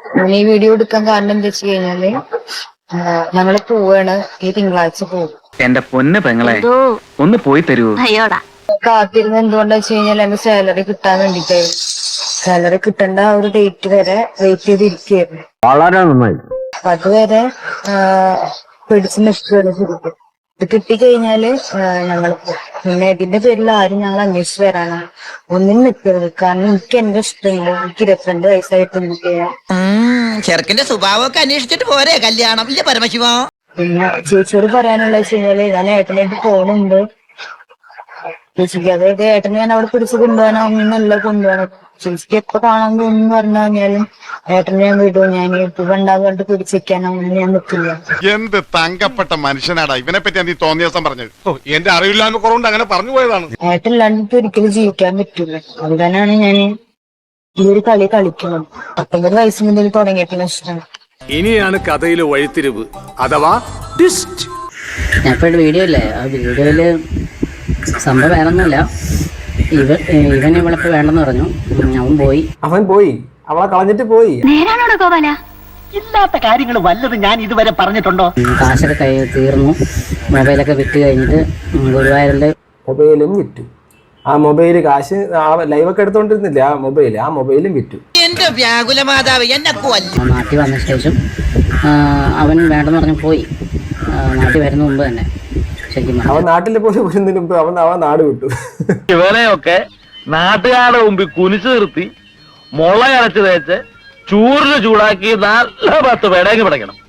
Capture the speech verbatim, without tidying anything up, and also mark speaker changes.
Speaker 1: ഞാൻ ഈ വീഡിയോ എടുക്കാൻ കാരണം എന്താ വെച്ച് കഴിഞ്ഞാല് ഞങ്ങള് പോവാണ് ഈ തിങ്കളാഴ്ച പോകും.
Speaker 2: എന്റെ പൊന്ന് പെങ്ങളെ ഒന്ന് പോയി തരൂ.
Speaker 1: കാത്തിരുന്ന് എന്തുകൊണ്ടാ വെച്ച് കഴിഞ്ഞാൽ എന്റെ സാലറി കിട്ടാൻ വേണ്ടിട്ടായിരുന്നു. സാലറി കിട്ടേണ്ട ആ ഒരു ഡേറ്റ് വരെ വെയിറ്റ് ചെയ്തിരിക്കുകയായിരുന്നു.
Speaker 3: വളരെ നന്നായി.
Speaker 1: അപ്പൊ അതുവരെ പിടിച്ചു നിൽക്കുകയാണ് ശരിക്കും. ഇത് കിട്ടിക്കഴിഞ്ഞാല് ഞങ്ങൾ പിന്നെ ഇതിന്റെ പേരിൽ ആരും ഞങ്ങൾ അന്വേഷിച്ച് വരാനാണ് ഒന്നിനും നിൽക്കരുത്. കാരണം എനിക്ക് എന്റെ ഇഷ്ടങ്ങൾ എനിക്ക് ഇരുപത്തിരണ്ട് വയസ്സായിട്ട് നിൽക്കുകയാണ്.
Speaker 4: ചെറുക്കന്റെ സ്വഭാവമൊക്കെ അന്വേഷിച്ചിട്ട് പോരെ കല്യാണം ഇല്ല പരമശിവ.
Speaker 1: പിന്നെ ചേച്ചിയോട് പറയാനുള്ള വെച്ച് കഴിഞ്ഞാല് ഞാൻ ഏട്ടനായിട്ട് പോകുന്നുണ്ട്. ചേച്ചിക്ക് അതായത് ഏട്ടനെ ഞാൻ അവിടെ പിടിച്ച് കൊണ്ടുപോകാനോ ഒന്നല്ല കൊണ്ടുപോകണം. ചേച്ചിക്ക് എപ്പോ കാണാൻ തോന്നുന്നു പറഞ്ഞു കഴിഞ്ഞാലും ഏട്ടനെ ഞാൻ വിടും. ഞാൻ ഇപ്പൊ ഉണ്ടാകും കണ്ട് പിടിച്ചിരിക്കാനോ ഒന്നും ഞാൻ നിൽക്കില്ല.
Speaker 5: എന്ത് തങ്കപ്പെട്ട മനുഷ്യനാടാ ഇവനെ പറ്റി നീ തോന്നിയ ദിവസം പറഞ്ഞത്. എന്റെ അറിവില്ലായ്മ കുറവുണ്ട് അങ്ങനെ പറഞ്ഞു പോയതാണ്.
Speaker 1: ഏട്ടനില്ലാണ്ട് ഒരിക്കലും ജീവിക്കാൻ പറ്റില്ല. അതുതന്നെയാണ് ഞാൻ ഈ ഒരു കളി കളിക്കുന്നത്. പത്തൊമ്പത് വയസ്സ് മുതൽ തുടങ്ങിയിട്ടുള്ള ഇഷ്ടമാണ്.
Speaker 6: ഇനിയാണ് കഥയിലെ വഴിത്തിരിവ് അഥവാ ട്വിസ്റ്റ്.
Speaker 7: ഞാൻ ഇപ്പോഴും വീഡിയോ ഇല്ലേ, ആ വീഡിയോയില് സംഭവം വേറൊന്നുമില്ല. ഇവൻ ഇവൻ ഇവളിപ്പോ വേണ്ടെന്ന് പറഞ്ഞു. അവൻ പോയി
Speaker 3: അവൻ പോയി അവളെ കളഞ്ഞിട്ട് പോയി.
Speaker 8: നേരാണോടോ ഗോപാല? ഇല്ലാത്ത കാര്യങ്ങൾ വല്ലതും ഞാൻ ഇതുവരെ പറഞ്ഞിട്ടുണ്ടോ?
Speaker 7: കാശൊക്കെ കൈ തീർന്നു. മൊബൈലൊക്കെ വിറ്റ് കഴിഞ്ഞിട്ട് ഗുരുവായൂരിന്റെ
Speaker 3: മൊബൈലും വിറ്റു. ആ മൊബൈല് കാശ് ആ ലൈവൊക്കെ എടുത്തോണ്ടിരുന്നില്ല, ആ മൊബൈൽ ആ മൊബൈലും വിറ്റു.
Speaker 4: എന്റെ വ്യാകുല മാതാവ് എന്നെ
Speaker 7: നാട്ടിൽ വന്ന ശേഷം അവൻ വേണ്ടെന്ന് പറഞ്ഞു പോയി. നാട്ടിൽ വരുന്ന മുമ്പ് തന്നെ ശരിക്കും
Speaker 3: അവൻ നാട്ടിൽ പോയി വരുന്നതിന് മുമ്പ് അവൻ അവൻ നാട് വിട്ടു.
Speaker 2: ഇവനെയൊക്കെ നാട്ടുകാരുടെ മുമ്പിൽ കുനിച്ചു നിർത്തി മുള അരച്ച് തേച്ച് ചൂറിന് ചൂടാക്കി നല്ല പത്ത് പേടേക്ക് പിടയ്ക്കണം.